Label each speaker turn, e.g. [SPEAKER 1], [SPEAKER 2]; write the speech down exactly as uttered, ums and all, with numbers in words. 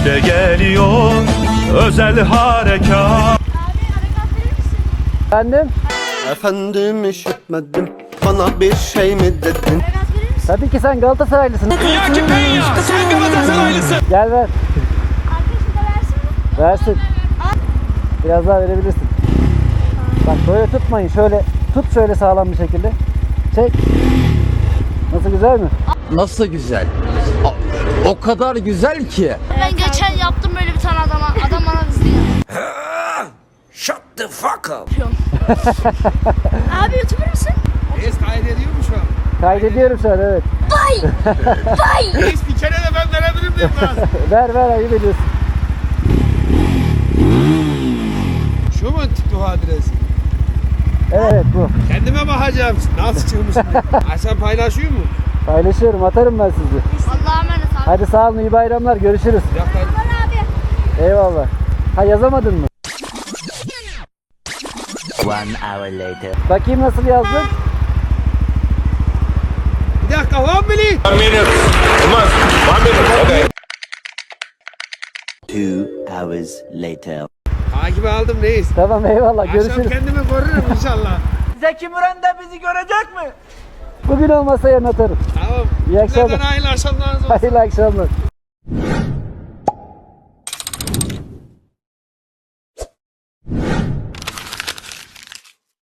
[SPEAKER 1] İşte geliyor özel harekat.
[SPEAKER 2] Efendim?
[SPEAKER 3] Efendim işitmedim, bana bir şey mi dedin?
[SPEAKER 2] Tabii ki sen Galatasaraylısın.
[SPEAKER 1] Dünyaki Penya, sen Galatasaraylısın.
[SPEAKER 2] Gel ver.
[SPEAKER 4] Arkadaşım da versin mi?
[SPEAKER 2] Versin. Biraz daha verebilirsin. Bak böyle tutmayın. Şöyle tut şöyle sağlam bir şekilde. Çek. Nasıl, güzel mi?
[SPEAKER 5] Nasıl güzel? O, o kadar güzel ki.
[SPEAKER 4] Ben geçen yaptım böyle bir tane adama. Adam bana kızdı ya.
[SPEAKER 5] Shut the fuck up.
[SPEAKER 4] Abi YouTuber mısın?
[SPEAKER 6] Reis kaydediyor mu şu an?
[SPEAKER 2] Kaydediyorum şu an, evet.
[SPEAKER 4] Vay! Vay!
[SPEAKER 6] Reis bir kere de ben verebilir miyim biraz?
[SPEAKER 2] Ver ver, ayıp ediyorsun.
[SPEAKER 6] Şu mu TikTok adresi?
[SPEAKER 2] Evet, bu.
[SPEAKER 6] Kendime bakacağım. Nasıl çıkmış? Ha, sen paylaşıyor mu?
[SPEAKER 2] Paylaşıyorum, atarım ben sizi.
[SPEAKER 4] Allah'a emanet abi.
[SPEAKER 2] Hadi sağ olun, iyi bayramlar, görüşürüz.
[SPEAKER 6] Bir dakika.
[SPEAKER 4] Aman abi.
[SPEAKER 2] Eyvallah. Ha, yazamadın mı?
[SPEAKER 5] One hour later.
[SPEAKER 2] Bakayım nasıl yazdın?
[SPEAKER 6] Bir dakika one minute.
[SPEAKER 5] Two hours later.
[SPEAKER 6] Takip aldım reis.
[SPEAKER 2] Tamam, eyvallah,
[SPEAKER 6] Akşam
[SPEAKER 2] görüşürüz.
[SPEAKER 6] kendimi korurum inşallah.
[SPEAKER 5] Zeki Müren de bizi görecek mi?
[SPEAKER 2] Bugün olmasa yarın atarım.
[SPEAKER 6] Tamam.
[SPEAKER 2] İyi akşamlar.
[SPEAKER 6] Neden hayırlı akşamlarınız olsun.
[SPEAKER 2] Hayırlı akşamlar.